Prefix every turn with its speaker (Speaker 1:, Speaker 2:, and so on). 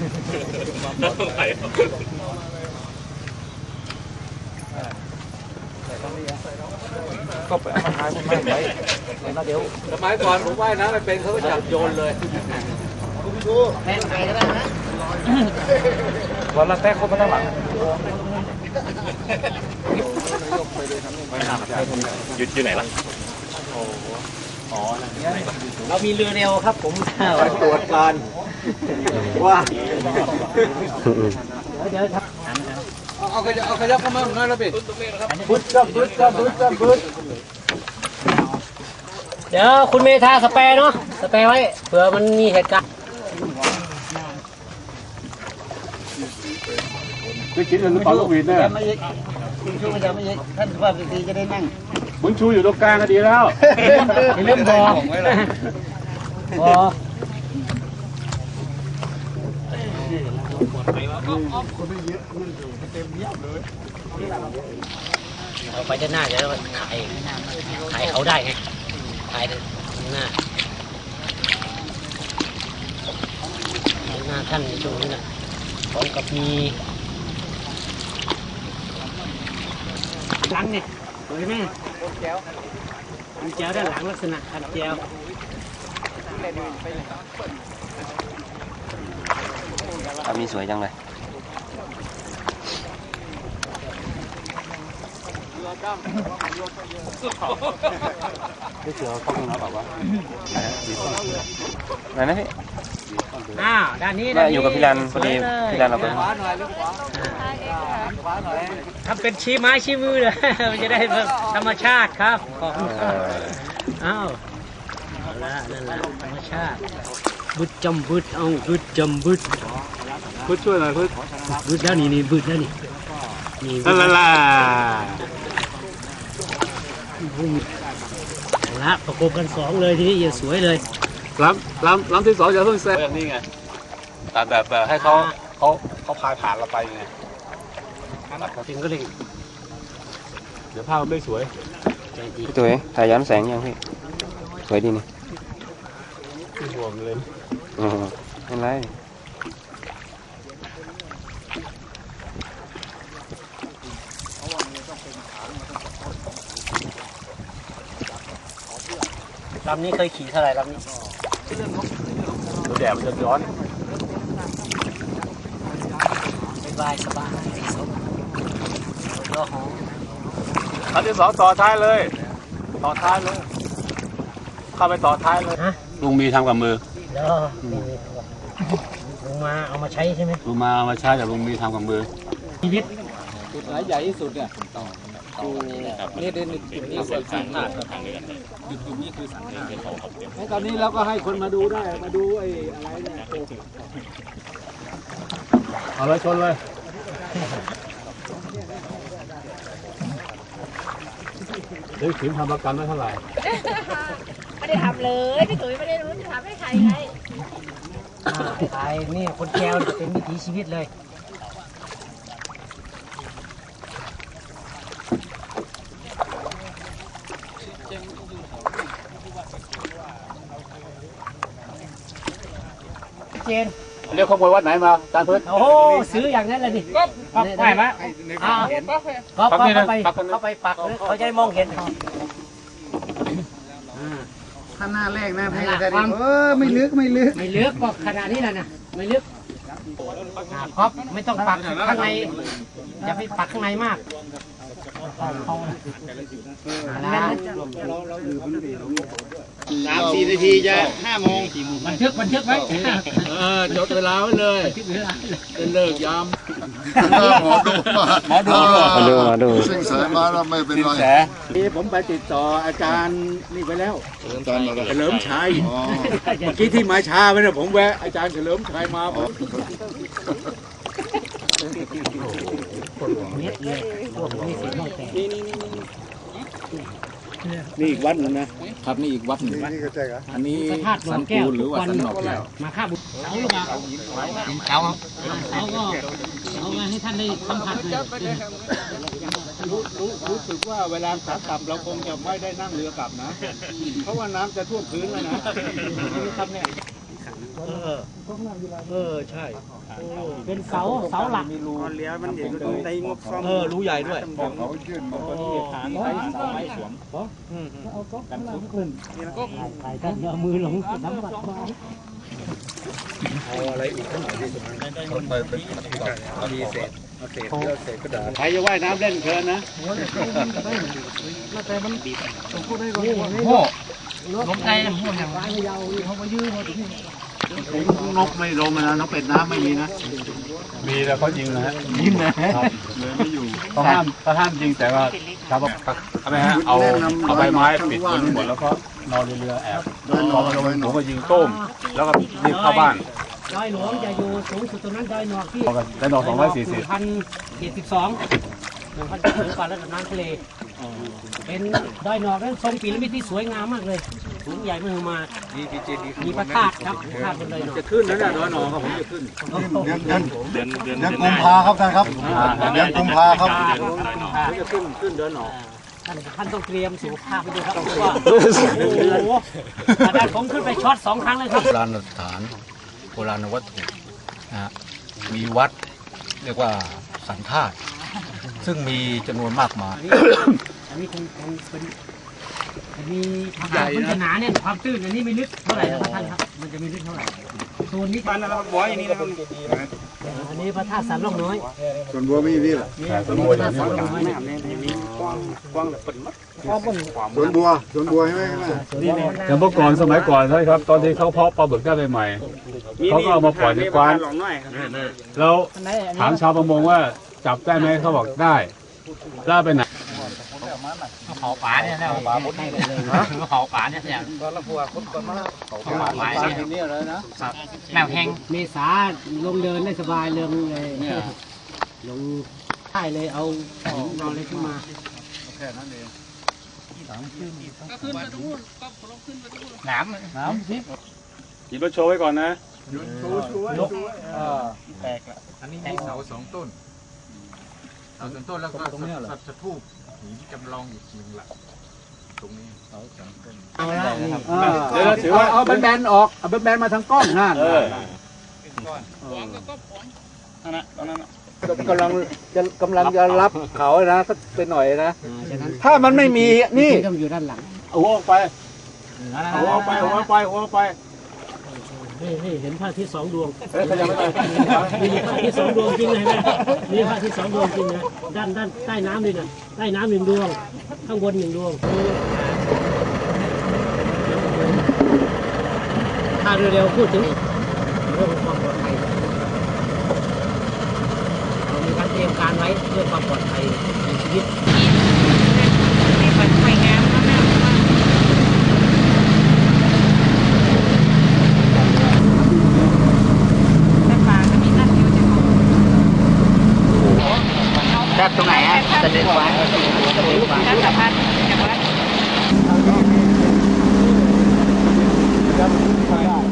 Speaker 1: ก็ไปเอามาทายมันไม่ไหวเดี๋ยว
Speaker 2: สมัยก่อนผมว่ายน้ำไม่เป็นเขาก็จับโยนเลย
Speaker 3: แม่งไปก็ได้นะ
Speaker 1: วันละแต้คนมาตั้งหลังอยู่ไหนล่ะ
Speaker 3: เรามีเรือเร็วครับผม
Speaker 2: ไปตรวจการว่า
Speaker 3: เดี๋ยวครับ
Speaker 2: เอาขยับเข้ามาหน่อยแล้วปิด
Speaker 1: บึ้ด
Speaker 3: เดี๋ยวคุณเมธาสเปรย์เนาะสเปรย์ไว้เผื่อมันมีเหตุการณ์
Speaker 1: ได้กินหรือเปล่าลูกวีดเนี่ย
Speaker 3: คุณชูจะไม่ยิงท่านว่าดีจะได้นั่ง
Speaker 1: บุญชูอยู่ตรงกลางก็ดีแล้ว
Speaker 3: เริ่มบอกเราไปด้านหน้าเดี๋ยวเราถ่ายเขาได้ไงถ่ายด้านหน้าท่านในช่วงนี้นะพร้อมกับมีหลังเนี่ยสวยไหมคันแก้วด้านหลังลักษณะคันแก้ว
Speaker 4: มีสวยจังเลย
Speaker 1: ได้เจอข้อมูลแล้วแบบว่า
Speaker 4: ไหนนะพี่
Speaker 3: ด้านนี้
Speaker 4: อยู่กับพี่รันพอดีพี่รันเราไป
Speaker 3: ทำเป็นชี้ไม้ชี้มือเลยมันจะได้แบบธรรมชาติครับอ้าวนั่นแหละธรรมชาติบึดจำบึดเอาบึดจำบึด
Speaker 1: ช่วยหน่อย
Speaker 3: บึดแล้วนี่บึดแล้วนี่
Speaker 1: ล่ะ
Speaker 3: ละประกบกัน2เลยทีนี้อย่าสวยเลย
Speaker 1: ล้ำที่2อย่าเพิ่งเสร็จนี่ไงแต่ให้เขาพายผ่านเราไปไง
Speaker 3: จริงก็เลย
Speaker 1: เดี๋ยวภาพไม่สวย
Speaker 4: พี่ตุ๋ยถ่ายย้อนแสงยังพี่สวยดีนี่
Speaker 1: ห่วงเลย
Speaker 4: เป็นไร
Speaker 3: ลำนี้เคยขี่เท่าไหร่ลำนี้
Speaker 1: แดดมันจะร้อน
Speaker 3: สบายก็หอม
Speaker 1: อันที่2ต่อท้ายเลยเข้าไปต่อท้ายเลยลุงมีทำกับมือ
Speaker 3: ลุงมาเอามาใช้ใช่ไหม
Speaker 1: ลุงมาเอามาใช้แต่ลุงมีทำกับมือ
Speaker 3: ชีวิต
Speaker 2: จุดไหนใหญ่ที่สุดเนี่ยนี่เด่นจุดนี้เสร็จสันนาจุดนี้คือสันนาตอนนี้เราก็ให้คนมาดูได้มาดูไอ้อะไรเนี่ย
Speaker 1: เอาเลยชนเลยถึงทำประกันได้เท่าไหร่
Speaker 5: ไม่ได้ทำเลยพี่ตุ๋ยไม่ได้รู้จะทำให้ใครไง
Speaker 3: ตายนี่คนแก้วเป็นวิถีชีวิตเลยเจน
Speaker 1: เรียกขโมยวัดไหนมาจานเพิ่น
Speaker 3: โอ้ซื้ออย่างนั้นเลยดิ
Speaker 5: ได้ไหม
Speaker 3: ก็เข้าไปปักเขาจะได้มองเห็น
Speaker 2: ข้างหน้าแรกนะพี่จะได้ไม่ลึก
Speaker 3: ก็ขนาดนี้แหละนะไม่ลึกครับไม่ต้องปักข้างในอย่าไปปักข้างในมาก
Speaker 2: 3-4 นาทีจะ5 โมง
Speaker 3: บันทึกไว้
Speaker 2: จดเวลาไว้เลยจะเลิกยาม
Speaker 4: หมอดู
Speaker 6: สิงแสมาแล้วไม่เป็นไร
Speaker 2: นี่ผมไปติดต่ออาจารย์นี่ไปแล้วเฉลิมชัยเมื่อกี้ที่มาช้าไปนะผมแวะอาจารย์เฉลิมชัยมาผมนี่อีกวัดนึงนะครับนี่อีกวัดหนึ่งอันนี้สันปูหรือว่าสันหนอกแก้ว
Speaker 3: มาข้าบุตรเอาลูกมาเอามาให้ท่านได้สัมผัสหน่อย
Speaker 2: รู้สึกว่าเวลาขากลับเราคงจะไม่ได้นั่งเรือกลับนะเพราะว่าน้ำจะท่วมพื้นแล้วนะนี่ครับเนี่ยใช่
Speaker 3: เป็นเสาหลัก
Speaker 2: เลี้ยมันเดี๋ยวในงบซ่อมรูใหญ่ด้วยเขายื่นมาฐานไม้สวมกันทุกขึ้น
Speaker 3: ถ่ายกันเอามือลงน้ำบัดมา
Speaker 2: เอาอะไรอีกข้างหน่อยดีสุดมีเศษเศษกระดาษ
Speaker 1: ใครจะว่ายน้ำเล่นเพลินนะ
Speaker 2: โง่
Speaker 3: ลมไทยหัวอย่างไรยาวเขามายืมมาถึงนี่
Speaker 1: นกไม่ลงนะนกเป็ดน้ำไม่มีนะมีแล้วเขายิงนะฮะยิงนะครับเลยไม่อยู่เขาห้ามยิงแต่ว่าครับทำไมฮะเอาใบไม้ปิดบนหมดแล้วก็นอนเรือแอบพอมาลงผมก็ยิงต้มแล้วก็รีบเข้าบ้าน
Speaker 3: ดอยหลวงจะอยู่สูงสุดตรงนั้นดอยหนอกที่
Speaker 1: ได้ดอก240
Speaker 3: 1,072 1,000 กว่าระดับน้ำทะเลเป็นดอยหนอกนั้นทรงปีระมิดที่สวยงามมากเลยสูงใหญ่มากมามีพระธาตุครับพระธาตุบนดอยหนอก
Speaker 2: จะขึ้นนะเนี่ยดอยหนองครับผมจะขึ้น
Speaker 6: เดือนกุมภาครับท่านครับเดือนกุมภาครับ
Speaker 2: ผมจะขึ้นดอยหนอง
Speaker 3: ท่านต้องเตรียมสุขภาพไปด้วยครับเพราะว่าโอ้โหอาจารย์ผมขึ้นไปช็อต2 ครั้งเลยครับ
Speaker 6: โบราณสถานโบราณวัตถุนะฮะมีวัดเรียกว่าสันธาตุซึ่งมีจำนวนมากมาย
Speaker 3: อันนี้คงเป็นมีมันจะหนาเนี่ยความตื้นอันนี้ไม่ลึกเท่าไหร่นะครับท่านครับมันจะไม่ลึกเท่าไหร่โซนนี้
Speaker 2: บ้านนะครับบอยอย่างนี้นะครับ
Speaker 3: อันนี้พระธาตุสันล่องน้อย
Speaker 6: ส่วนบัวมีนี่แหละ
Speaker 3: นี่พระธาตุสันล่องน้อย
Speaker 2: แม่เนี่ยมีกว้างแบบเป็นมัด
Speaker 6: สวนบัวใช่ไหม
Speaker 1: อย่างเมื่อก่อนสมัยก่อนใช่ครับตอนที่เขาเพาะปลาบึกได้ใหม่ๆเขาก็เอามาปล่อยในกว้าน
Speaker 2: หลงน้อยครับ
Speaker 1: แล้วถามชาวประมงว่าจับได้ไหมเขาบอกได้ล่าไปไหน
Speaker 3: เผาป่าเนี่ยนะป่าบดให้เลยเผาป่าเนี่ยอย่าง
Speaker 2: ตอนละพัวคนก่อนมาเขา
Speaker 3: ป่าป่า
Speaker 2: ที่นี่เลยนะ
Speaker 3: แนวแห้งเมษาลงเดินได้สบายเลยลงใต้เลยเอานอนเลยขึ้นมา
Speaker 2: แค่นั้นเอง
Speaker 3: น้ำสิ
Speaker 1: ขี่รถโชว์ไว้ก่อนนะ
Speaker 2: แตกละอันนี้มีเสา2 ต้นเสา2 ต้นแล้วก็สัตว์ทูบหินจำลองอยู่จริงละตรงนี้เสา2 ต้น
Speaker 3: เอาละนี่
Speaker 1: เดี๋ยวถือว่า
Speaker 2: เอาแบนๆออกเอาแบนๆมาทางกล้องนั่น
Speaker 1: นั่นนะตอนนั้น
Speaker 2: กำลังจะรับเขานะสักเป็นหน่อยนะ
Speaker 3: ฉะนั้น
Speaker 2: ถ้ามันไม่มีนี่
Speaker 3: ต้องอยู่ด้านหลัง
Speaker 1: เอาหัวออกไปหัวออกไปหัวออกไปหัวออกไป
Speaker 3: นี่เห็นพระอาทิตย์2 ดวง
Speaker 1: เฮ้ยเขายังไม่ได้
Speaker 3: มีพระอาทิตย์2 ดวงจริงเลยนะมีพระอาทิตย์2 ดวงจริงนะด้านใต้น้ำเลยนะใต้น้ำ1 ดวงข้างบน1 ดวงถ้าเร็วๆพูดถึงเรื่องความปลอดภัยเรามีการเตรียมการไว้เพื่อความปลอดภัยในชีวิต
Speaker 5: ไม่เปิดไฟงามมากแต่ป่าจะมีนั่นอยู่จะของ
Speaker 3: จับตรงไหนอ่ะจะเดินไว้
Speaker 5: ท่านสะพานจากวัด
Speaker 2: ครับ